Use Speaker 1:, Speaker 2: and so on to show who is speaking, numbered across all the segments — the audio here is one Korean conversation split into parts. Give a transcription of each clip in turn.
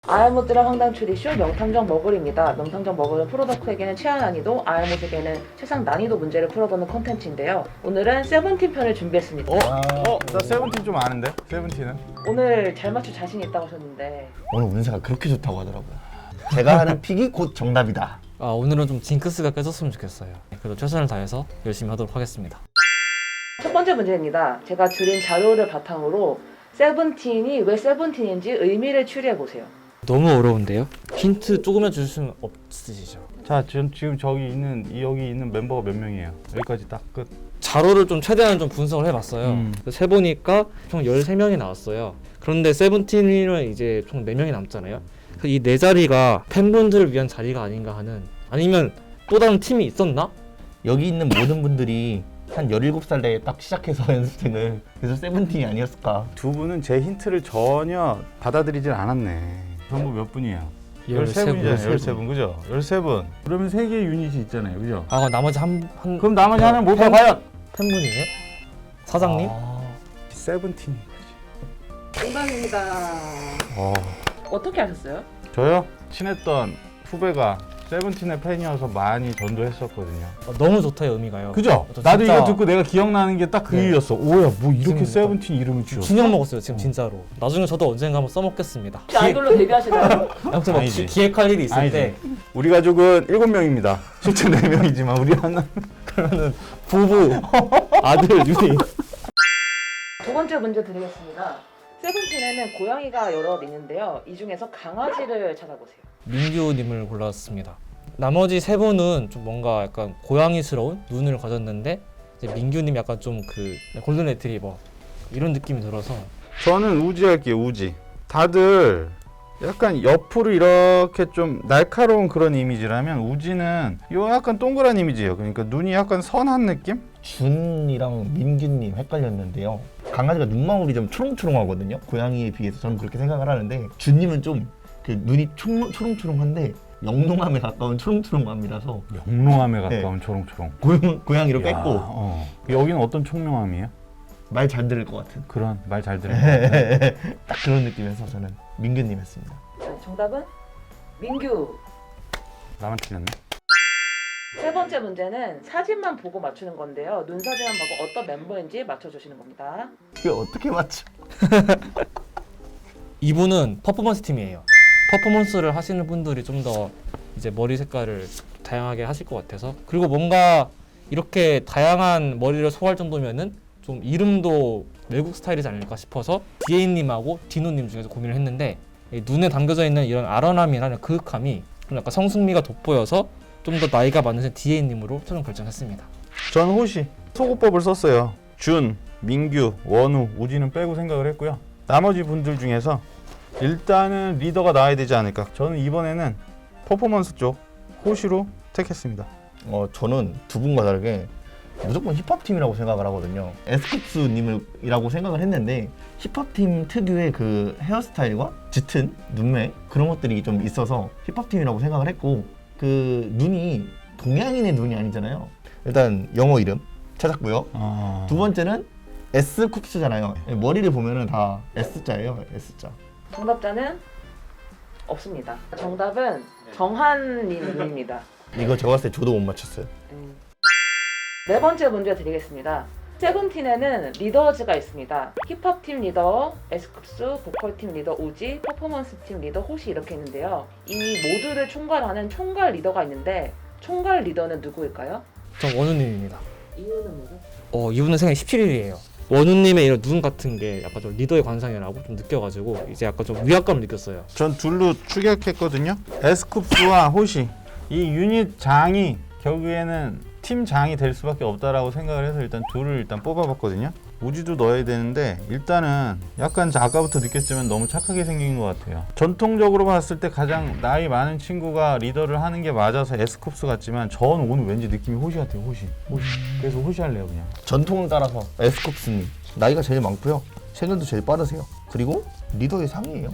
Speaker 1: 아알못들의 황당 추리쇼 명탐정 머글입니다. 명탐정 머글은 프로덕트에게는 최하 난이도, 아알못에게는 최상 난이도 문제를 풀어보는 콘텐츠인데요. 오늘은 세븐틴 편을 준비했습니다.
Speaker 2: 나 세븐틴 좀 아는데? 세븐틴은?
Speaker 1: 오늘 잘 맞출 자신 있다고 하셨는데
Speaker 3: 오늘 운세가 그렇게 좋다고 하더라고요. 제가 하는 픽이 곧 정답이다.
Speaker 4: 오늘은 좀 징크스가 깨졌으면 좋겠어요. 그래도 최선을 다해서 열심히 하도록 하겠습니다.
Speaker 1: 첫 번째 문제입니다. 제가 드린 자료를 바탕으로 세븐틴이 왜 세븐틴인지 의미를 추리해보세요.
Speaker 4: 너무 어려운데요? 힌트 조금만 주실 수는 없으시죠?
Speaker 2: 자, 지금 여기 있는 멤버가 몇 명이에요? 여기까지 딱 끝.
Speaker 4: 자료를 좀 최대한 좀 분석을 해봤어요. 세보니까 총 13명이 나왔어요. 그런데 세븐틴은 이제 총 4명이 남잖아요. 이 4자리가 팬분들을 위한 자리가 아닌가 하는, 아니면 또 다른 팀이 있었나?
Speaker 3: 여기 있는 모든 분들이 한 17살 때에 딱 시작해서 연습생을, 그래서 세븐틴이 아니었을까.
Speaker 2: 두 분은 제 힌트를 전혀 받아들이질 않았네. 전부 몇 분이에요? 13분이잖아요. 13분, 그죠? 13분. 그러면 3개의 유닛이 있잖아요, 그죠?
Speaker 4: 그럼 나머지
Speaker 2: 그럼 나머지 하나는 뭘까, 과연?
Speaker 4: 팬분이에요? 사장님?
Speaker 2: 세븐틴.
Speaker 1: 정답입니다. 어떻게 아셨어요?
Speaker 2: 저요? 친했던 후배가 세븐틴의 팬이어서 많이 전도했었거든요.
Speaker 4: 너무 좋다, 의미가요.
Speaker 2: 그죠?
Speaker 4: 저
Speaker 2: 나도
Speaker 4: 진짜
Speaker 2: 이거 듣고 내가 기억나는 게 딱 그
Speaker 4: 네.
Speaker 2: 이유였어. 오야, 뭐 이렇게
Speaker 4: 지금
Speaker 2: 세븐틴 이름을 지었어?
Speaker 4: 균형 먹었어요, 지금 진짜로. 나중에 저도 언젠가 한번 써먹겠습니다.
Speaker 1: 혹시 아이돌로 데뷔하시나요?
Speaker 4: 아무튼 막
Speaker 2: 아니지.
Speaker 4: 기획할 일이 있을
Speaker 2: 아니지.
Speaker 4: 때
Speaker 2: 우리 가족은 7명입니다. 실제 4명이지만 우리 하나
Speaker 4: 그러면은 부부, 아들, 유닛.
Speaker 1: 두 번째 문제 드리겠습니다. 세븐틴에는 고양이가 여럿 있는데요. 이 중에서 강아지를 찾아보세요.
Speaker 4: 민규님을 골랐습니다. 나머지 3분은 좀 뭔가 약간 고양이스러운 눈을 가졌는데, 이제 민규님 약간 좀 그 골든 레트리버 이런 느낌이 들어서.
Speaker 2: 저는 우지 할게요. 우지. 다들 약간 옆으로 이렇게 좀 날카로운 그런 이미지라면 우지는 요 약간 동그란 이미지예요. 그러니까 눈이 약간 선한 느낌?
Speaker 3: 준이랑 민규님 헷갈렸는데요. 강아지가 눈망울이 좀 초롱초롱하거든요. 고양이에 비해서 저는 그렇게 생각을 하는데, 준님은 좀 그 눈이 초롱초롱한데 영롱함에 가까운 초롱초롱함이라서
Speaker 2: 영롱함에 가까운 초롱초롱.
Speaker 3: 고양이로
Speaker 2: 야,
Speaker 3: 뺐고
Speaker 2: 여기는 어떤 총명함이에요?
Speaker 3: 말 잘 들을 것 같은
Speaker 2: 그런 말 잘 들으면
Speaker 3: 딱 그런 느낌에서 저는 민규님 했습니다.
Speaker 1: 자, 정답은 민규.
Speaker 2: 나만 틀렸네.
Speaker 1: 세 번째 문제는 사진만 보고 맞추는 건데요. 눈 사진만 보고 어떤 멤버인지 맞춰주시는 겁니다.
Speaker 3: 이게 어떻게 맞죠?
Speaker 4: 이분은 퍼포먼스 팀이에요. 퍼포먼스를 하시는 분들이 좀 더 이제 머리 색깔을 다양하게 하실 것 같아서, 그리고 뭔가 이렇게 다양한 머리를 소화할 정도면은 좀 이름도 외국 스타일이지 않을까 싶어서 디에이님하고 디노님 중에서 고민을 했는데, 이 눈에 담겨져 있는 이런 아련함이라는 그윽함이 좀 약간 성숙미가 돋보여서 좀 더 나이가 많으신 디에이님으로 최종 결정했습니다.
Speaker 2: 전 호시 소고법을 썼어요. 준, 민규, 원우, 우지는 빼고 생각을 했고요. 나머지 분들 중에서 일단은 리더가 나와야 되지 않을까. 저는 이번에는 퍼포먼스 쪽 호시로 택했습니다.
Speaker 3: 저는 두 분과 다르게 무조건 힙합팀이라고 생각을 하거든요. 에스쿱스님이라고 생각을 했는데, 힙합팀 특유의 그 헤어스타일과 짙은 눈매 그런 것들이 좀 있어서 힙합팀이라고 생각을 했고, 그 눈이 동양인의 눈이 아니잖아요. 일단 영어 이름 찾았고요. 두 번째는 에스쿱스잖아요. 머리를 보면은 다 S자예요. S자.
Speaker 1: 정답자는 없습니다. 정답은 정한님입니다.
Speaker 3: 이거 제가 봤을 때 저도 못 맞췄어요.
Speaker 1: 네 번째 문제 드리겠습니다. 세븐틴에는 리더즈가 있습니다. 힙합팀 리더 에스쿱스, 보컬팀 리더 우지, 퍼포먼스팀 리더 호시 이렇게 있는데요. 이 모두를 총괄하는 총괄 리더가 있는데 총괄 리더는 누구일까요?
Speaker 4: 전 원우님입니다.
Speaker 1: 이유는 뭐죠?
Speaker 4: 이분은 생일 17일이에요. 원우님의 이런 눈 같은 게 약간 좀 리더의 관상이라고 좀 느껴가지고 이제 약간 좀 위압감을 느꼈어요.
Speaker 2: 전 둘로 추격했거든요. 에스쿱스와 호시 이 유닛 장이 결국에는 팀 장이 될 수밖에 없다라고 생각을 해서 일단 둘을 일단 뽑아봤거든요. 우지도 넣어야 되는데 일단은 약간 아까부터 느꼈지만 너무 착하게 생긴 것 같아요. 전통적으로 봤을 때 가장 나이 많은 친구가 리더를 하는 게 맞아서 에스쿱스 같지만 저는 오늘 왠지 느낌이 호시 같아요. 호시. 그래서 호시 할래요 그냥.
Speaker 3: 전통을 따라서 에스쿱스님 나이가 제일 많고요. 생일도 제일 빠르세요. 그리고 리더의 상이에요.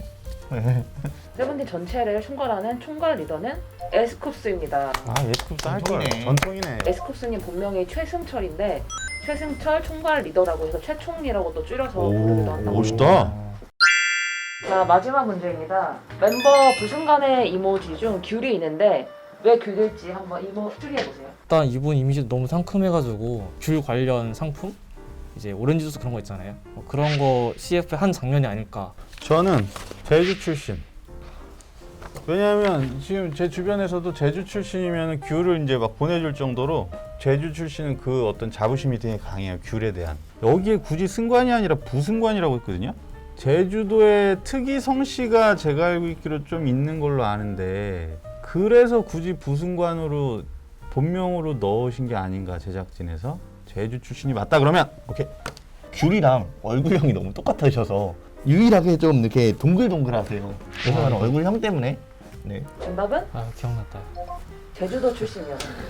Speaker 1: 세븐틴 전체를 총괄하는 총괄 리더는 에스쿱스입니다.
Speaker 2: 에스쿱스 할 거야.
Speaker 3: 전통이네.
Speaker 2: 전통이네.
Speaker 1: 에스쿱스님 본명이 최승철인데 최승철 총괄 리더라고 해서 최총리라고 또 줄여서 부르기도 한다고.
Speaker 2: 멋있다.
Speaker 1: 자, 마지막 문제입니다. 멤버 부순간의 이모지 중 귤이 있는데 왜 귤일지 한번 이모 추리해보세요.
Speaker 4: 일단 이분 이미지도 너무 상큼해가지고 귤 관련 상품? 이제 오렌지 주스 그런 거 있잖아요. 그런 거 CF의 한 장면이 아닐까.
Speaker 2: 저는 제주 출신. 왜냐하면 지금 제 주변에서도 제주 출신이면 귤을 이제 막 보내줄 정도로 제주 출신은 그 어떤 자부심이 되게 강해요. 귤에 대한. 여기에 굳이 승관이 아니라 부승관이라고 했거든요. 제주도의 특이 성씨가 제가 알고 있기로 좀 있는 걸로 아는데 그래서 굳이 부승관으로 본명으로 넣으신 게 아닌가 제작진에서. 제주 출신이 맞다 그러면 오케이.
Speaker 3: 귤이랑 얼굴형이 너무 똑같으셔서 유일하게 좀 이렇게 동글동글하세요. 그래서 나는 얼굴형 때문에. 네.
Speaker 1: 정답은
Speaker 4: 아 기억났다.
Speaker 1: 제주도 출신이었습니다.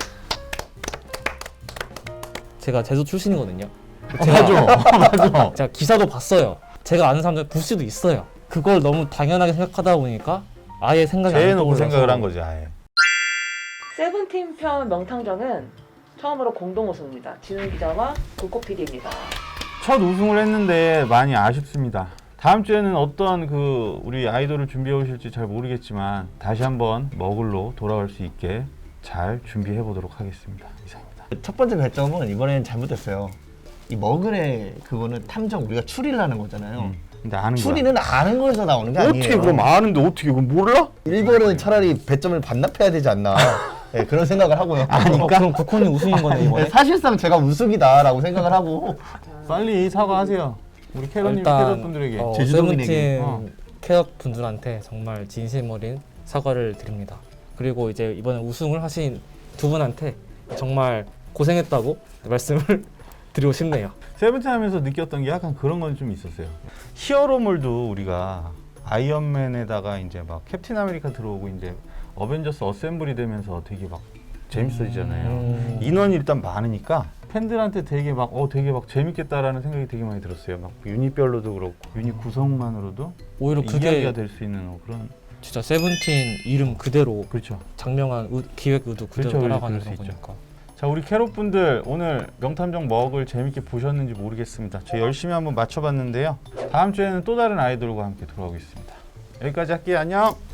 Speaker 4: 제가 제주 출신이거든요.
Speaker 2: 맞아.
Speaker 4: 제가 기사도 봤어요. 제가 아는 사람들 부스도 있어요. 그걸 너무 당연하게 생각하다 보니까 아예 생각이 안
Speaker 2: 제해놓고
Speaker 4: 떠올라서
Speaker 2: 생각을 한 거지 아예.
Speaker 1: 세븐틴 편 명탐정은 처음으로 공동 우승입니다. 진훈 기자와 불꽃 PD입니다.
Speaker 2: 첫 우승을 했는데 많이 아쉽습니다. 다음 주에는 어떤 그 우리 아이돌을 준비해 오실지 잘 모르겠지만 다시 한번 머글로 돌아올 수 있게 잘 준비해 보도록 하겠습니다. 이상입니다.
Speaker 3: 첫 번째 배점은 이번엔 잘못됐어요. 이 머글의 그거는 탐정 우리가 추리를 하는 거잖아요.
Speaker 2: 근데 아는
Speaker 3: 추리는 아는 거에서 나오는 게 아니에요.
Speaker 2: 어떻게 그럼 아는데 어떻게 그럼 몰라?
Speaker 3: 일본은 차라리 배점을 반납해야 되지 않나. 네, 그런 생각을 하고요.
Speaker 4: 그럼 국콘이 우승인 거네 이번에.
Speaker 3: 네, 사실상 제가 우승이다라고 생각을 하고
Speaker 2: 빨리 사과하세요. 우리 캐럿님 캐럿 분들에게.
Speaker 3: 제주도민에게.
Speaker 4: 세븐틴 캐럿 분들한테 정말 진심 어린 사과를 드립니다. 그리고 이제 이번에 우승을 하신 두 분한테 정말 고생했다고 말씀을 드리고 싶네요.
Speaker 2: 세븐틴 하면서 느꼈던 게 약간 그런 건 좀 있었어요. 히어로물도 우리가 아이언맨에다가 이제 막 캡틴 아메리카 들어오고 이제 어벤져스 어셈블이 되면서 되게 막 재밌어지잖아요. 인원이 일단 많으니까 팬들한테 되게 막 재밌겠다라는 생각이 되게 많이 들었어요. 막 유닛별로도 그렇고 유닛 구성만으로도
Speaker 4: 오히려 그게
Speaker 2: 이야기가 될 수 있는 그런.
Speaker 4: 진짜 세븐틴 이름 그대로
Speaker 2: 그렇죠.
Speaker 4: 장명한 기획 의도 그대로
Speaker 2: 그렇죠,
Speaker 4: 따라가는
Speaker 2: 그럴 수
Speaker 4: 거니까.
Speaker 2: 자, 우리 캐럿분들 오늘 명탐정 먹을 재밌게 보셨는지 모르겠습니다. 저 열심히 한번 맞춰봤는데요. 다음 주에는 또 다른 아이돌과 함께 돌아오겠습니다. 여기까지 할게요. 안녕.